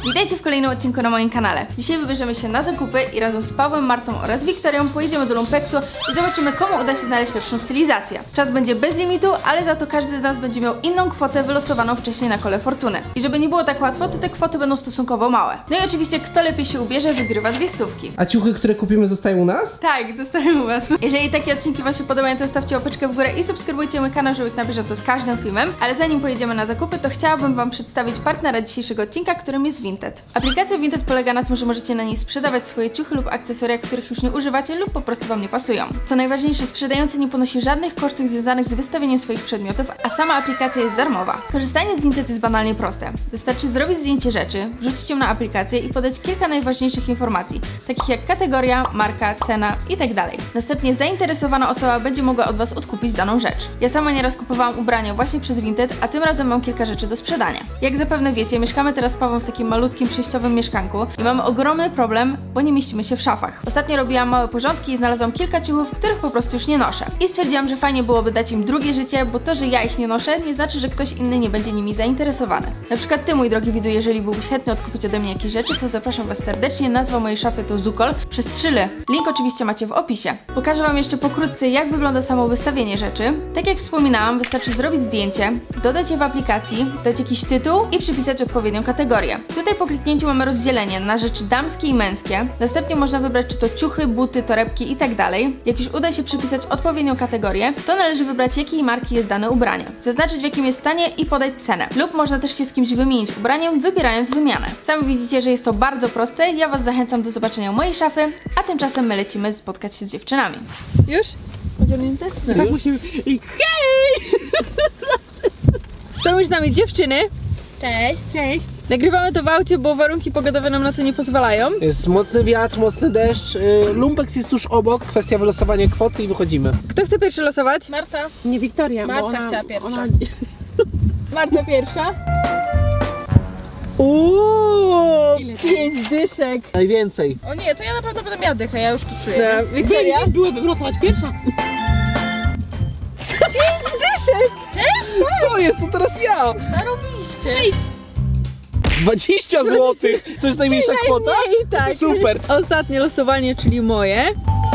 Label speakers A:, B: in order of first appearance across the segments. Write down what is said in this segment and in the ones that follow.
A: Witajcie w kolejnym odcinku na moim kanale. Dzisiaj wybierzemy się na zakupy i razem z Pawłem, Martą oraz Wiktorią pojedziemy do Lumpeksu i zobaczymy, komu uda się znaleźć lepszą stylizację. Czas będzie bez limitu, ale za to każdy z nas będzie miał inną kwotę wylosowaną wcześniej na kole fortuny. I żeby nie było tak łatwo, to te kwoty będą stosunkowo małe. No i oczywiście kto lepiej się ubierze, wygrywa 2 stówki.
B: A ciuchy, które kupimy, zostają u nas?
A: Tak, zostawiam u was. Jeżeli takie odcinki wam się podobają, to stawcie łapeczkę w górę i subskrybujcie mój kanał, żeby być na bieżąco z każdym filmem. Ale zanim pojedziemy na zakupy, to chciałabym wam przedstawić partnera dzisiejszego odcinka, którym jest Vinted. Aplikacja Vinted polega na tym, że możecie na niej sprzedawać swoje ciuchy lub akcesoria, których już nie używacie lub po prostu wam nie pasują. Co najważniejsze, sprzedający nie ponosi żadnych kosztów związanych z wystawieniem swoich przedmiotów, a sama aplikacja jest darmowa. Korzystanie z Vinted jest banalnie proste. Wystarczy zrobić zdjęcie rzeczy, wrzucić ją na aplikację i podać kilka najważniejszych informacji, takich jak kategoria, marka, cena itd. Następnie zainteresowana osoba będzie mogła od was odkupić daną rzecz. Ja sama nieraz kupowałam ubrania właśnie przez Vinted, a tym razem mam kilka rzeczy do sprzedania. Jak zapewne wiecie, mieszkamy teraz z Pawłem w takim malutkim przejściowym mieszkanku i mamy ogromny problem, bo nie mieścimy się w szafach. Ostatnio robiłam małe porządki i znalazłam kilka ciuchów, których po prostu już nie noszę. I stwierdziłam, że fajnie byłoby dać im drugie życie, bo to, że ja ich nie noszę, nie znaczy, że ktoś inny nie będzie nimi zainteresowany. Na przykład ty, mój drogi widzu, jeżeli byłbyś chętny odkupić ode mnie jakieś rzeczy, to zapraszam was serdecznie. Nazwa mojej szafy to Zukol przez 3 ly. Link oczywiście macie w opisie. Pokażę wam jeszcze pokrótce, jak wygląda samo wystawienie rzeczy. Tak jak wspominałam, wystarczy zrobić zdjęcie, dodać je w aplikacji, dać jakiś tytuł i przypisać odpowiednią kategorię. Tutaj po kliknięciu mamy rozdzielenie na rzeczy damskie i męskie. Następnie można wybrać, czy to ciuchy, buty, torebki itd. Jak już uda się przypisać odpowiednią kategorię, to należy wybrać, jakiej marki jest dane ubranie, zaznaczyć, w jakim jest stanie i podać cenę. Lub można też się z kimś wymienić ubraniem, wybierając wymianę. Sami widzicie, że jest to bardzo proste. Ja was zachęcam do zobaczenia mojej szafy, a tymczasem my lecimy spotkać się z dziewczynami. Już? Ogarnięte?
B: No tak musimy... I hej!
A: Są już z nami dziewczyny.
C: Cześć.
B: Cześć!
A: Nagrywamy to w aucie, bo warunki pogodowe nam na to nie pozwalają.
B: Jest mocny wiatr, mocny deszcz. Lumpeks jest tuż obok. Kwestia wylosowania kwoty i wychodzimy.
A: Kto chce pierwszy losować?
C: Marta.
B: Nie Wiktoria,
C: Marta chciała pierwsza.
A: Marta pierwsza. Uuu, 5 dyszek.
B: Najwięcej.
C: O nie, to ja naprawdę będę miała dychę, ja już to czuję.
A: Wiktoria?
B: Byłoby wylosować pierwsza.
A: 5 dyszek!
B: Co jest? To teraz ja!
C: Zarobiście.
B: 20 zł! To jest najmniejsza kwota?
A: Najmniej, tak.
B: Super!
A: Ostatnie losowanie, czyli moje.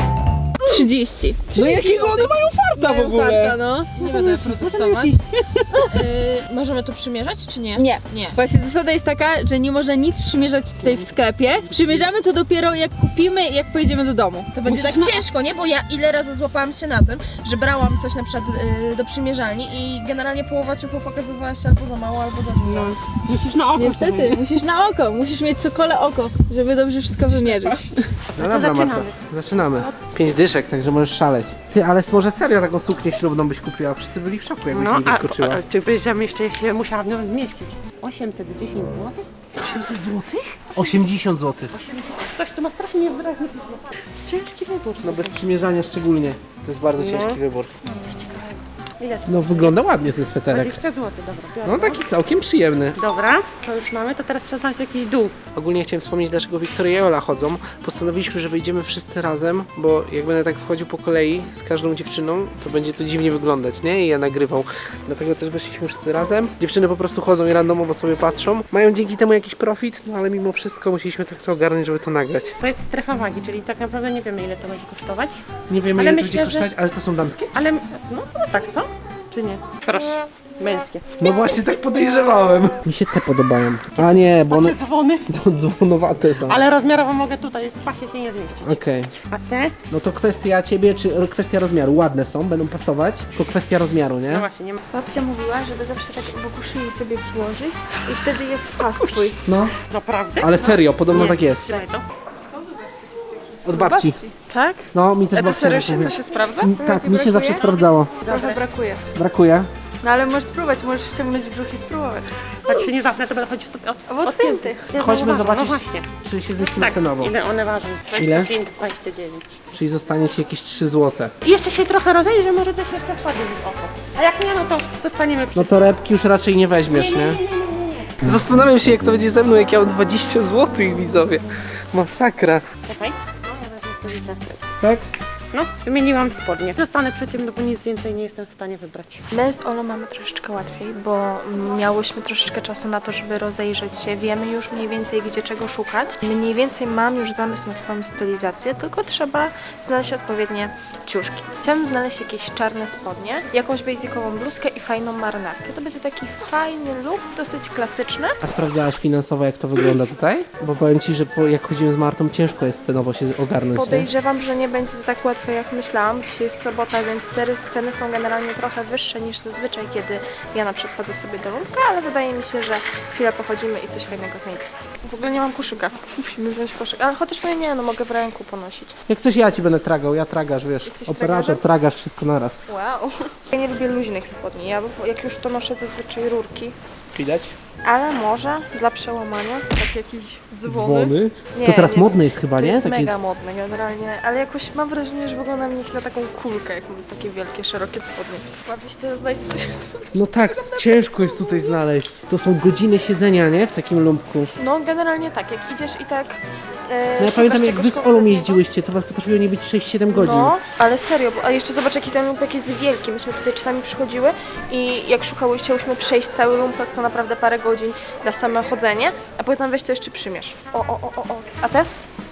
A: 30.
B: No jakiego one mają farta w ogóle?
A: Farta, no.
C: Nie będę protestować. Możemy to przymierzać, czy nie?
A: Nie.
C: Nie.
A: Właśnie zasada jest taka, że nie można nic przymierzać tutaj w sklepie. Przymierzamy to dopiero jak kupimy i jak pojedziemy do domu.
C: To będzie tak ciężko, nie? Bo ja ile razy złapałam się na tym, że brałam coś na przykład do przymierzalni i generalnie połowa ciuchów okazywała się albo za mało, albo za dużo.
B: Musisz na oko.
A: Niestety, musisz na oko, musisz mieć cokole oko, żeby dobrze wszystko wymierzyć.
B: No dobra, Marta. Zaczynamy. 5 dyszek, także możesz szaleć. Ty, ale może serio taką suknię ślubną byś kupiła? Wszyscy byli w szoku, jakbyś nie wyskoczyła.
D: Czy powiedziałam jeszcze, jeśli musiałam w nią zmieścić? 810 zł?
B: 800 zł? 80 zł.
D: Ktoś tu ma strasznie wyraźny pismo. Ciężki wybór.
B: No bez przymierzania szczególnie. To jest bardzo
D: No.
B: ciężki wybór.
D: Ile to?
B: No wygląda ładnie ten sweterek.
D: 20 zł, dobra. Biorę.
B: No taki całkiem przyjemny.
D: Dobra, to już mamy, to teraz trzeba znaleźć jakiś dół.
B: Ogólnie chciałem wspomnieć, dlaczego Wiktoria i Ola chodzą. Postanowiliśmy, że wyjdziemy wszyscy razem, bo jak będę tak wchodził po kolei z każdą dziewczyną, to będzie to dziwnie wyglądać, nie? I ja nagrywam. Dlatego też wyszliśmy wszyscy razem. Dziewczyny po prostu chodzą i randomowo sobie patrzą. Mają dzięki temu jakiś profit, no ale mimo wszystko musieliśmy tak to ogarnąć, żeby to nagrać.
D: To jest strefa wagi, czyli tak naprawdę nie wiemy, ile to będzie kosztować.
B: Nie wiemy,
D: Ale
B: ile to
D: myślę,
B: będzie
D: że-
B: kosztować, ale to są damskie?
D: Ale, no tak, co? Czy nie? Proszę, męskie.
B: No właśnie tak podejrzewałem. Mi się te podobają. A nie, bo one
D: Takie dzwony.
B: to dzwonowate są.
D: Ale rozmiarowo mogę tutaj, w pasie się nie zmieścić.
B: Okej.
D: A te?
B: No to kwestia ciebie, czy kwestia rozmiaru. Ładne są, będą pasować, tylko kwestia rozmiaru,
D: No
B: nie?
D: właśnie, nie ma.
A: Babcia mówiła, żeby zawsze tak wokół szyi sobie przyłożyć i wtedy jest pas twój.
B: No,
D: Naprawdę?
B: ale serio, podobno
D: Nie,
B: tak jest.
D: Trzymaj to.
B: Od babci.
A: Tak?
B: No, mi też
C: A to
B: babcia
C: serio
B: tak
C: się
B: mówi.
C: to się sprawdza?
B: Tak, mi się zawsze sprawdzało.
A: Trochę brakuje.
B: Brakuje.
A: No ale możesz spróbować, możesz wciągnąć brzuch i spróbować.
D: Jak się nie zapnę, to będę chodzić
A: W odpiętych.
B: Chodźmy
D: No
B: zobaczyć,
D: właśnie.
B: czy się zmieścimy
D: Tak,
B: cenowo.
D: ile one ważą?
B: Ile?
D: 25, 29.
B: Czyli zostanie ci jakieś 3 zł.
D: I jeszcze się trochę rozejrzę, może coś jeszcze wpadnie mi w oko. A jak nie, no to zostaniemy przy...
B: No torebki już raczej nie weźmiesz, nie? Zastanawiam się, jak to będzie ze mną, jak ja mam 20 zł, widzowie. Masakra.
D: Czekaj. No, ja wezmę stoliczę.
B: Tak?
D: No, wymieniłam spodnie. Zostanę przy tym, no bo nic więcej nie jestem w stanie wybrać.
E: My z Olą mamy troszeczkę łatwiej, bo miałyśmy troszeczkę czasu na to, żeby rozejrzeć się. Wiemy już mniej więcej, gdzie czego szukać. Mniej więcej mam już zamysł na swoją stylizację, tylko trzeba znaleźć odpowiednie ciuszki. Chciałabym znaleźć jakieś czarne spodnie, jakąś basicową bluzkę i fajną marynarkę. To będzie taki fajny look, dosyć klasyczny.
B: A sprawdzałaś finansowo, jak to wygląda tutaj? Bo powiem Ci, że jak chodzimy z Martą, ciężko jest cenowo się ogarnąć, nie?
E: Podejrzewam, że nie będzie to tak łatwe, jak myślałam. Dzisiaj jest sobota, więc ceny są generalnie trochę wyższe niż zazwyczaj, kiedy ja na przykład chodzę sobie do Lumpka, ale wydaje mi się, że chwilę pochodzimy i coś fajnego znajdziemy. W ogóle nie mam koszyka. Musimy wziąć koszyk. Ale chociaż no nie, no mogę w ręku ponosić.
B: Jak coś ja Ci będę tragał, ja tragarz, wiesz.
E: Jesteś
B: Operator,
E: tragarzem?
B: tragarz, wszystko naraz.
E: Wow. Ja nie lubię luźnych spodni. Ja jak już to noszę zazwyczaj rurki.
B: Widać?
E: Ale może dla przełamania, tak jakieś
B: Dzwony.
E: Nie,
B: To teraz
E: nie,
B: modne jest chyba,
E: To
B: nie?
E: jest
B: Takie-
E: mega modne generalnie, ale jakoś mam wrażenie, że wygląda mi ich na taką kulkę, jak mam takie wielkie, szerokie spodnie. Łapię się teraz znaleźć coś.
B: No tak, ciężko jest tutaj znaleźć. To są godziny siedzenia, nie? W takim lumpku.
E: No generalnie tak, jak idziesz i tak
B: No ja
E: szukasz
B: pamiętam, jak
E: czegoś
B: Wy z Olą
E: konkretnego.
B: jeździłyście, to Was potrafiło nie być 6-7 godzin.
E: No, ale serio, a jeszcze zobacz, jaki ten lumpek jest wielki. Myśmy tutaj czasami przychodziły i jak chciałyśmy przejść cały lumpek, to naprawdę parę godzin na same chodzenie, a potem weź to jeszcze przymierz. O. A te?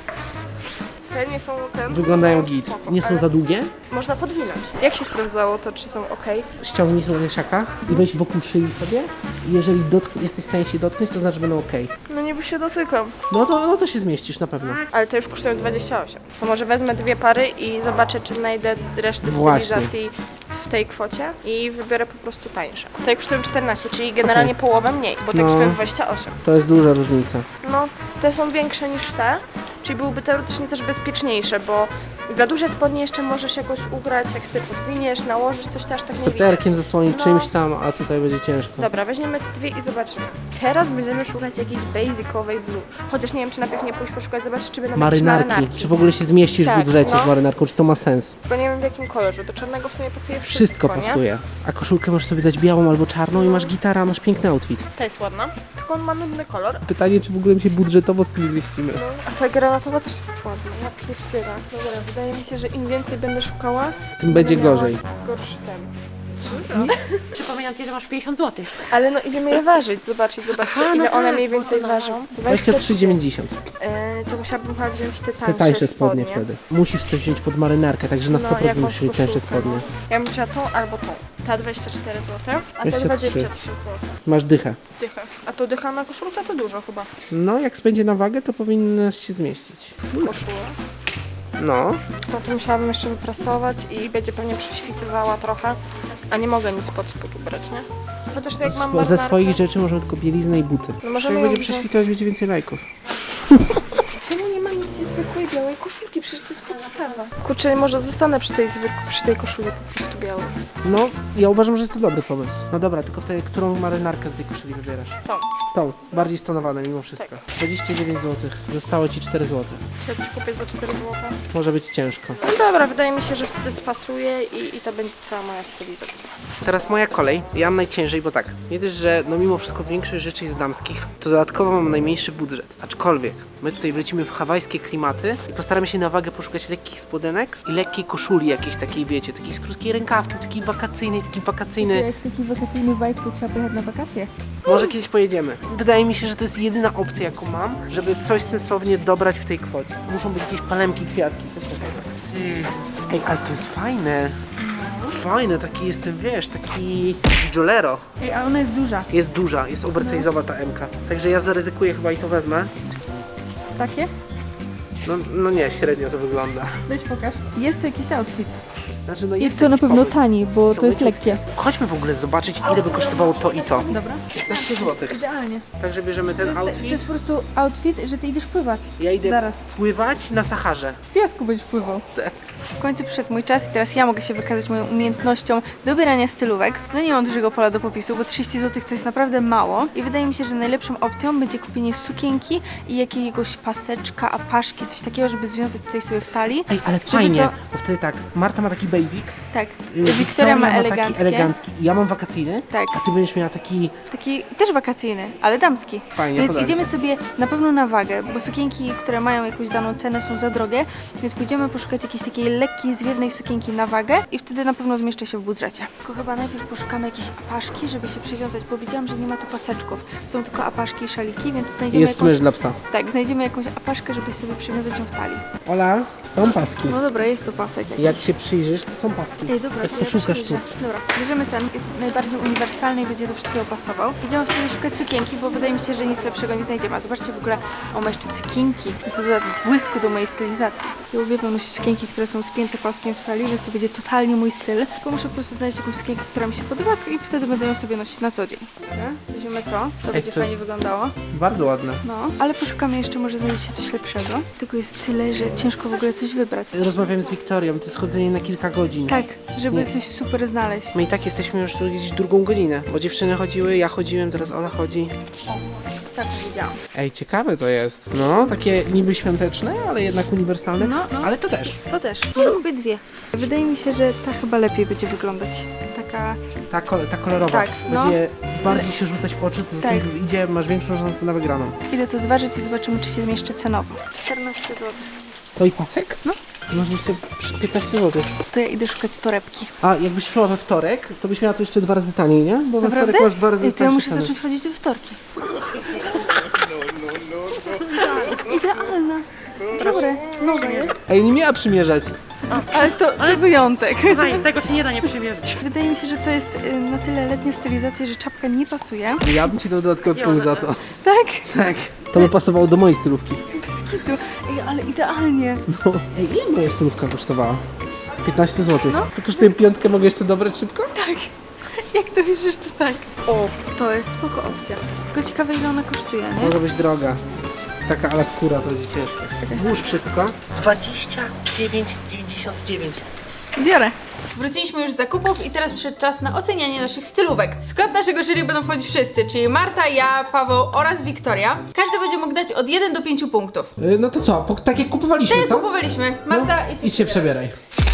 E: Te nie są
B: Wyglądają git.
E: spoko,
B: Nie są
E: ale
B: za długie?
E: można podwinąć. Jak się sprawdzało to, czy są ok?
B: Ściągnij sobie ryszaka i weź wokół szyi sobie. I jeżeli jesteś w stanie się dotknąć, to znaczy, że będą ok.
E: No niby się dotykam.
B: No to się zmieścisz na pewno.
E: Ale te już kosztują 28. To może wezmę 2 pary i zobaczę, czy znajdę resztę
B: Właśnie.
E: stylizacji w tej kwocie i wybiorę po prostu tańsze. Te kosztują 14, czyli generalnie połowę mniej, bo te
B: No.
E: kosztują 28.
B: To jest duża różnica.
E: No, te są większe niż te, czyli byłyby teoretycznie też bezpieczniejsze, bo za duże spodnie jeszcze możesz jakoś ugrać, jak sobie podwiniesz, nałożysz coś, też tak nie widać.
B: Peterkiem zasłonić
E: No.
B: czymś tam, a tutaj będzie ciężko.
E: Dobra, weźmiemy te 2 i zobaczymy. Teraz będziemy szukać jakiejś basicowej blue. Chociaż nie wiem, czy najpierw nie pójść poszukać, zobaczyć, czy będą jakieś
B: Marynarki. Czy w ogóle się zmieścisz w
E: Tak,
B: budżecie
E: no.
B: z marynarką, czy to ma sens?
E: Bo nie wiem w jakim kolorze. Do czarnego w sumie pasuje
B: Wszystko
E: nie?
B: pasuje. A koszulkę możesz sobie dać białą albo czarną i masz gitarę, a masz piękny outfit.
E: Ta jest ładna, tylko on ma nudny kolor.
B: Pytanie, czy w ogóle się budżetowo z tym zmieścimy.
E: No, a ta granatowa też jest ładna. Ja pierdzielę. Dobra, wydaje mi się, że im więcej będę szukała,
B: Tym będzie
E: miała
B: gorzej.
E: gorszy ten.
D: Przypominam Ci, że masz 50 zł.
E: Ale no idziemy je ważyć, zobaczcie,
D: Aha,
E: ile
D: no
E: one
D: tak,
E: mniej więcej
D: no.
E: ważą.
B: 23,90.
E: To musiałabym chyba wziąć te tańsze
B: Te tańsze spodnie wtedy. Musisz coś wziąć pod marynarkę, także na 100%
E: jakąś
B: musisz mieć tańsze
E: koszulkę,
B: spodnie.
E: no. Ja bym wzięła tą albo tą. Ta 24 zł, a ta
B: 23.
E: 23 zł.
B: Masz dychę.
E: Dychę. A to dycha na koszulkę to dużo chyba.
B: No, jak spędzie na wagę, to powinnaś się zmieścić.
E: Koszula.
B: No.
E: No to musiałabym jeszcze wyprasować i będzie pewnie prześwitywała trochę, a nie mogę nic pod spód ubrać, nie? Chociaż jak mam
B: Ze
E: marynarkę,
B: swoich rzeczy możemy tylko bieliznę i buty.
E: No możemy
B: Jak
E: ją
B: będzie
E: wziąć.
B: prześwitować, będzie więcej lajków.
E: Czemu nie ma nic zwykłej białej koszulki? Przecież to jest podstawa. Kurczę, może zostanę przy tej koszuli po prostu białej.
B: No, ja uważam, że jest to dobry pomysł. No dobra, tylko wtedy, którą marynarkę tej koszuli wybierasz?
E: Tą.
B: Tą, bardziej stonowane mimo wszystko. 29 zł, zostało Ci 4 zł.
E: Czy ja coś kupię za 4 zł?
B: Może być ciężko.
E: No dobra, wydaje mi się, że wtedy spasuje i to będzie cała moja stylizacja.
B: Teraz moja kolej. Ja mam najciężej, bo tak, nie dość, że no mimo wszystko większość rzeczy jest damskich, to dodatkowo mam najmniejszy budżet. Aczkolwiek my tutaj wlecimy w hawajskie klimaty i postaramy się na wagę poszukać lekkich spodenek i lekkiej koszuli jakiejś takiej, wiecie, takiej z krótkiej rękawki, taki wakacyjny.
A: Jak taki wakacyjny vibe, to trzeba pojechać na wakacje.
B: Może kiedyś pojedziemy. Wydaje mi się, że to jest jedyna opcja, jaką mam, żeby coś sensownie dobrać w tej kwocie. Muszą być jakieś palemki, kwiatki, coś takiego. Ej, ale to jest fajne. Fajne, taki jestem, wiesz, taki jolero.
A: Ej, a ona jest duża.
B: Jest duża, jest oversize'owa ta M-ka. Także ja zaryzykuję chyba i to wezmę.
A: Takie?
B: No nie, średnio to wygląda.
A: Weź pokaż. Jest to jakiś outfit.
B: Znaczy, no
A: Jest to na
B: jakiś
A: pewno
B: pomysł.
A: tani, bo
B: Są
A: to jest
B: leciutkie.
A: lekkie.
B: Chodźmy w ogóle zobaczyć, ile by kosztowało to i to.
A: Dobra.
B: 15 zł.
A: Idealnie.
B: Także bierzemy
A: To
B: ten
A: jest, to
B: outfit.
A: jest po prostu outfit, że ty idziesz pływać.
B: Ja idę
A: Zaraz.
B: pływać na Saharze.
A: W piasku będziesz pływał.
B: Tak.
A: W końcu przyszedł mój czas i teraz ja mogę się wykazać moją umiejętnością dobierania stylówek. No nie mam dużego pola do popisu, bo 30 zł to jest naprawdę mało i wydaje mi się, że najlepszą opcją będzie kupienie sukienki i jakiegoś paseczka, apaszki, coś takiego, żeby związać tutaj sobie w talii.
B: Ej, ale
A: Żeby
B: fajnie,
A: to-
B: bo wtedy tak, Marta ma taki basic,
A: Tak,
B: Wiktoria
A: Wiktoria ma
B: taki
A: eleganckie.
B: elegancki, ja mam wakacyjny,
A: Tak.
B: a ty będziesz miała taki...
A: Taki też wakacyjny, ale damski.
B: Fajnie,
A: Więc
B: podoba mi
A: idziemy
B: się.
A: sobie na pewno na wagę, bo sukienki, które mają jakąś daną cenę, są za drogie, więc pójdziemy poszukać jakiejś takiej lekkiej, zwiewnej sukienki na wagę i wtedy na pewno zmieszczę się w budżecie. Tylko chyba najpierw poszukamy jakiejś apaszki, żeby się przywiązać, bo widziałam, że nie ma tu paseczków. Są tylko apaszki i szaliki, więc znajdziemy
B: Jest
A: jakąś...
B: smycz dla psa.
A: Tak, znajdziemy jakąś apaszkę, żeby sobie przywiązać ją w talii.
B: Ola, są paski.
A: No dobra, jest to pasek jakiś.
B: Jak się przyjrzysz, to są paski.
A: Ej, dobra,
B: Jak
A: to ja
B: poszukasz tu.
A: przyjrzę. Dobra, bierzemy ten, jest najbardziej uniwersalny i będzie do wszystkiego pasował. Idziemy wtedy szukać sukienki, bo wydaje mi się, że nic lepszego nie znajdziemy. A zobaczcie w ogóle, o, ma jeszcze cykinki. To jest dodatek błysku do mojej stylizacji. Ja uwielbiam nosić sukienki, które są spięte paskiem w talii, więc to będzie totalnie mój styl. Tylko muszę po prostu znaleźć jakąś sukienkę, która mi się podoba i wtedy będę ją sobie nosić na co dzień. Dobra, weźmiemy to będzie
B: to-
A: fajnie wyglądało.
B: Bardzo ładne.
A: No, ale poszukamy jeszcze, może znajdzie się coś lepszego. Tylko jest tyle, że ciężko w ogóle coś wybrać.
B: Rozmawiam z Wiktorią, to jest chodzenie na kilka godzin.
A: Tak, żeby
B: Nie.
A: coś super znaleźć.
B: My i tak jesteśmy już tu gdzieś drugą godzinę, bo dziewczyny chodziły, ja chodziłem, teraz Ola chodzi.
A: Tak widziałam.
B: Ej, ciekawe to jest. No, takie niby świąteczne, ale jednak uniwersalne.
A: No.
B: Ale to też.
A: To też. Może kupię dwie. Wydaje mi się, że ta chyba lepiej będzie wyglądać. Taka...
B: Ta kolorowa.
A: Tak, no.
B: Będzie bardziej się rzucać w oczy, co za
A: Tak.
B: tym idzie, masz większą szansę na wygraną.
A: Idę to zważyć i zobaczymy, czy się zmieszczę cenowo. 14 zł.
B: To i pasek?
A: No.
B: Masz jeszcze 15 zł.
A: To ja idę szukać torebki.
B: A jakbyś szła we wtorek, to byś miała to jeszcze 2 razy taniej, nie? Bo we
A: Naprawdę?
B: wtorek masz 2 razy
A: Ej, to ja
B: tańsze
A: muszę
B: ceny.
A: zacząć chodzić we wtorki. Idealna. Dobre. Nowe jest.
B: Ej, nie miała przymierzać.
A: Ale to wyjątek.
D: Słuchaj, tego się nie da nie przymierzyć.
A: Wydaje mi się, że to jest na tyle letnia stylizacja, że czapka nie pasuje.
B: Ja bym ci dał dodatkowy punkt za to.
A: Tak?
B: Tak. To by pasowało do mojej stylówki.
A: Bez kitu. Ej, ale idealnie.
B: No. Ej, ile moja stylówka kosztowała? 15 zł. No. To kosztuje piątkę, mogę jeszcze dobrać szybko?
A: Tak. Jak to wierzysz, to tak. O, to jest spoko opcja. Tylko ciekawe, ile ona kosztuje, nie?
B: Może być droga. Taka ala skóra, to będzie ciężko. Włóż wszystko. 29,99.
A: Biorę. Wróciliśmy już z zakupów i teraz przyszedł czas na ocenianie naszych stylówek. W skład naszego jury będą wchodzić wszyscy, czyli Marta, ja, Paweł oraz Wiktoria. Każdy będzie mógł dać od 1 do 5 punktów.
B: No to co? Tak jak kupowaliśmy,
A: Tak jak kupowaliśmy. Marta,
B: idź się przebieraj.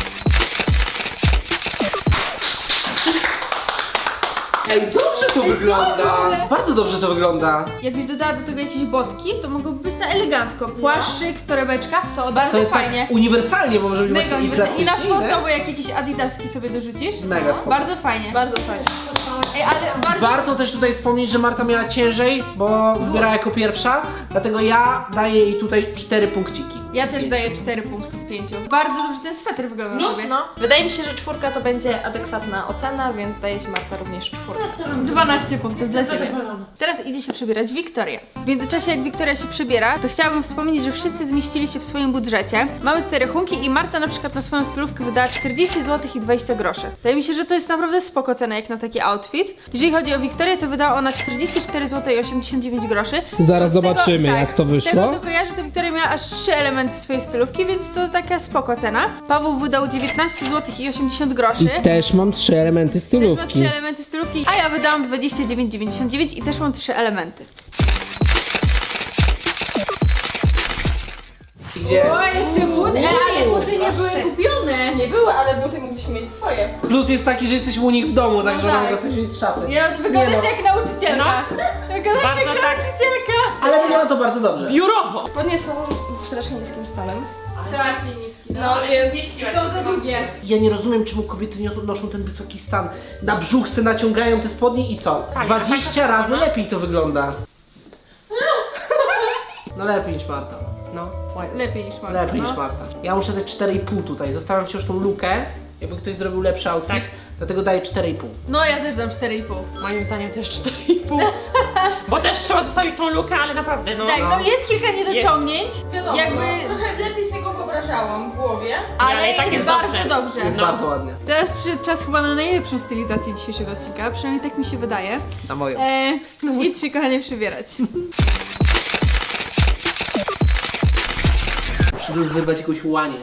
B: Ej, dobrze to wygląda! Bardzo dobrze to wygląda.
A: Jakbyś dodała do tego jakieś botki, to mogłoby być na elegancko. Płaszczyk, torebeczka, to bardzo
B: To jest
A: fajnie.
B: tak uniwersalnie, bo może być
A: Mega
B: właśnie i
A: uniwersalnie. I na
B: klasycznie,
A: spodnowo jak jakieś adidaski sobie dorzucisz.
B: Mega spoko.
A: Bardzo fajnie. Bardzo fajnie. Ej, ale bardzo...
B: Warto też tutaj wspomnieć, że Marta miała ciężej, bo wybierała jako pierwsza, dlatego ja daję jej tutaj 4 punkciki.
A: Ja też daję 4 punkty z 5. Bardzo dobrze ten sweter wygląda na tobie.
C: No. Wydaje mi się, że 4 to będzie adekwatna ocena, więc daje ci Marta również 4.
A: 12 punktów dla ciebie. Teraz idzie się przebierać Wiktoria. W międzyczasie jak Wiktoria się przebiera, to chciałabym wspomnieć, że wszyscy zmieścili się w swoim budżecie. Mamy tutaj rachunki i Marta na przykład na swoją stylówkę wydała 40 zł i 20 groszy. Wydaje mi się, że to jest naprawdę spoko cena jak na taki outfit. Jeżeli chodzi o Wiktorię, to wydała ona 44 zł i 89 groszy.
B: Zaraz
A: Z tego-
B: zobaczymy,
A: tak,
B: jak to
A: Z tego
B: wyszło.
A: co kojarzę, to Wiktoria miała aż 3 elementy swojej stylówki, więc to taka spoko cena. Paweł wydał 19 zł i 80 groszy.
B: Też mam 3 elementy
A: Też ma 3 elementy stylówki, a ja wydałam 29,99 i też mam 3 elementy.
B: Gdzie?
A: O, jeszcze buty, ale buty nie były kupione.
C: Nie były, ale buty mogliśmy mieć swoje.
B: Plus jest taki, że jesteśmy u nich w domu, także
A: tak.
B: ona mogła sobie wziąć z szafy.
A: Ja wyglądasz
B: Nie
A: jak nauczycielka. Wyglądasz jak
D: Bardzo tak.
A: nauczycielka.
B: Ale wygląda to bardzo dobrze.
D: Biurowo.
C: Spodnie są z strasznie niskim stanem.
A: Strasznie niski. No więc są za długie.
B: Ja nie rozumiem, czemu kobiety nie noszą ten wysoki stan. Na brzuch se naciągają te spodnie i co?
D: Tak,
B: 20 razy lepiej to wygląda. No lepiej niż Marta.
D: No.
A: Lepiej niż Marta.
B: Lepiej
A: no.
B: niż Marta. Ja muszę dać 4,5 tutaj. Zostawiam wciąż tą lukę, jakby ktoś zrobił lepszy outfit,
D: Tak.
B: dlatego daję 4,5.
A: No ja też dam 4,5.
D: Moim zdaniem też 4,5. Bo też trzeba zostawić tą lukę, ale naprawdę no.
A: Tak, no jest kilka niedociągnięć.
C: Wiadomo,
A: Jakby...
C: trochę lepiej sobie go wyobrażałam w głowie.
A: Ale
D: ale tak
A: jest
D: jest
A: bardzo
D: dobrze.
A: dobrze.
B: Jest
D: No.
B: bardzo ładnie.
A: Teraz przyszedł czas chyba na najlepszą stylizację dzisiejszego odcinka, przynajmniej tak mi się wydaje.
B: Na moją.
A: Idź się kochanie przybierać.
B: Przyjdę wybrać jakąś łanię.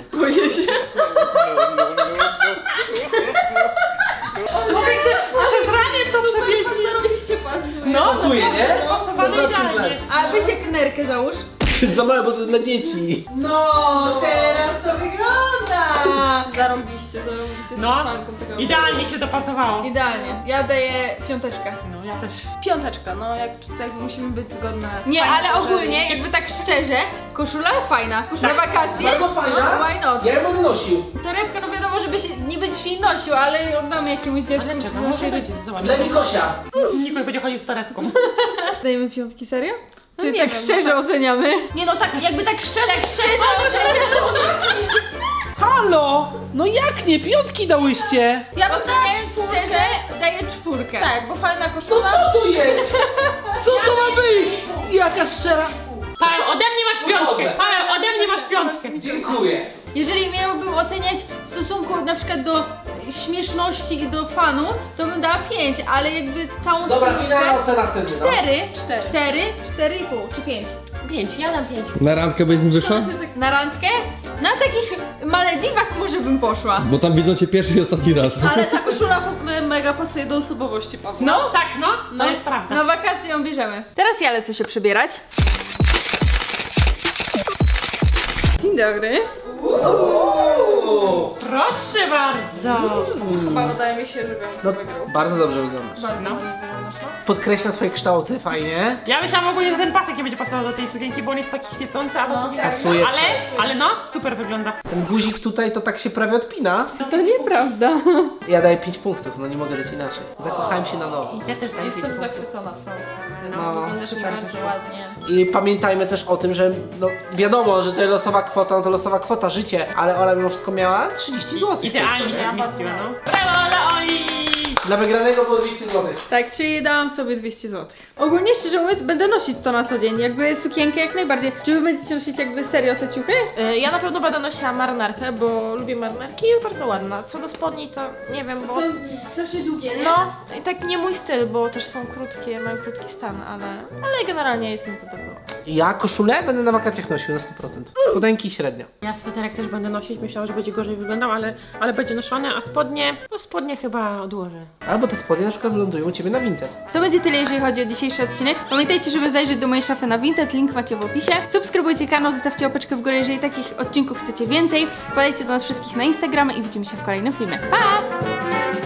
D: Przez ramię to przewiesi.
C: Zarobiście pasuje.
D: No,
B: Pasuje, nie?
D: Pasowane
B: Można
D: idealnie.
B: przyznać.
A: A weź jak nerkę załóż.
B: Za małe, bo to dla dzieci.
A: No, teraz to wygląda!
C: Zarąbiście.
D: No,
C: fanką tego.
D: idealnie się dopasowało.
A: Idealnie. Ja daję 5.
D: No, ja też.
C: 5, no jak musimy być zgodne.
A: Nie,
C: Fajnie,
A: ale
C: że-
A: ogólnie, jakby tak szczerze, szczerze, koszula fajna. Na wakacje?
B: Bardzo fajna.
A: No, why not?
B: Ja ją będę nosił.
A: Torebka, no wiadomo, żeby się nie będziesz jej nosił, ale oddamy jakiemuś dziecku.
D: Ale czego?
A: do
D: Może
A: naszej
D: być,
A: rodziny.
D: zobacz.
B: Dla Nikosia.
D: Nikt nie będzie chodził z torebką.
A: Dajemy piątki, serio? Czy
C: nie
A: tak
C: wiem,
A: szczerze oceniamy?
C: Nie no, tak jakby tak szczerze
B: Halo! No jak nie? Piątki dałyście!
C: ja bym
A: Oceniając
C: dała
A: szczerze, daję 4.
C: Tak, bo fajna
B: No
C: koszula.
B: co to jest? Co to ma być? Jaka szczera...
D: Paweł, ode mnie masz piątkę! Paweł, ode mnie masz piątkę!
B: Dziękuję.
A: Jeżeli miałbym oceniać w stosunku na przykład do śmieszności i do fanu, to bym dała 5, ale jakby całą
B: Dobra,
A: stylówkę-
B: finalna ocena wtedy, no.
A: 4,5 czy 5.
D: 5, ja dam 5.
F: Na randkę byś mi wyszła?
A: Na randkę? Na takich Malediwach może bym poszła.
F: Bo tam widzą cię pierwszy i ostatni raz.
C: Ale ta koszula w ogóle mega pasuje do osobowości Pawła.
D: No tak, no, to jest prawda.
A: Na wakacje ją bierzemy. Teraz ja lecę się przebierać. Dzień dobry.
D: Proszę bardzo!
C: Chyba wydaje mi się, że wiem,
B: No,
C: kto wygrał.
B: bardzo dobrze wyglądasz.
C: Bardzo
D: No.
C: ładnie wyglądasz, no.
B: Podkreśla twoje kształty, fajnie.
D: Ja myślałam ogólnie, że ten pasek nie będzie pasował do tej sukienki, bo on jest taki świecący, a ta sukienka...
B: Pasuje.
D: Ale no, super wygląda.
B: Ten guzik tutaj to tak się prawie odpina.
A: To nieprawda.
B: Ja daję 5 punktów, no nie mogę dać inaczej. Zakochałem się na nowo.
D: Ja też daję
C: Jestem
D: 5 punktów.
C: zachwycona twoją stylą.
B: No,
C: Wyglądasz
B: super.
C: bardzo ładnie.
B: I pamiętajmy też o tym, że no wiadomo, że to jest losowa kwota, no to losowa kwota, życie, ale Ola mimo wszystko miała 30 zł.
D: Idealnie się zmieściła, no. Brawo dla Oli!
B: Dla wygranego było 200 zł.
A: Tak, czyli dałam sobie 200 zł. Ogólnie szczerze mówiąc, będę nosić to na co dzień. Jakby sukienkę jak najbardziej. Czy wy będziecie nosić jakby serio te ciuchy?
C: Ja na pewno będę nosiła marynarkę, bo lubię marynarki i jest bardzo ładna. Co do spodni to nie wiem, bo...
A: strasznie długie, nie?
C: No, i tak nie mój styl, bo też są krótkie, mają krótki stan, ale generalnie jestem zadowolona.
B: Ja koszulę będę na wakacjach nosił na 100%. Spodenki średnio.
D: Ja sweterek też będę nosić, myślałam, że będzie gorzej wyglądał, ale będzie noszony, a spodnie, no spodnie chyba odłożę.
B: Albo te spodnie na przykład wylądują u ciebie na Vinted.
A: To będzie tyle, jeżeli chodzi o dzisiejszy odcinek. Pamiętajcie, żeby zajrzeć do mojej szafy na Vinted, link macie w opisie. Subskrybujcie kanał, zostawcie łapeczkę w górę, jeżeli takich odcinków chcecie więcej. Wpadajcie do nas wszystkich na Instagramy i widzimy się w kolejnym filmie. Pa!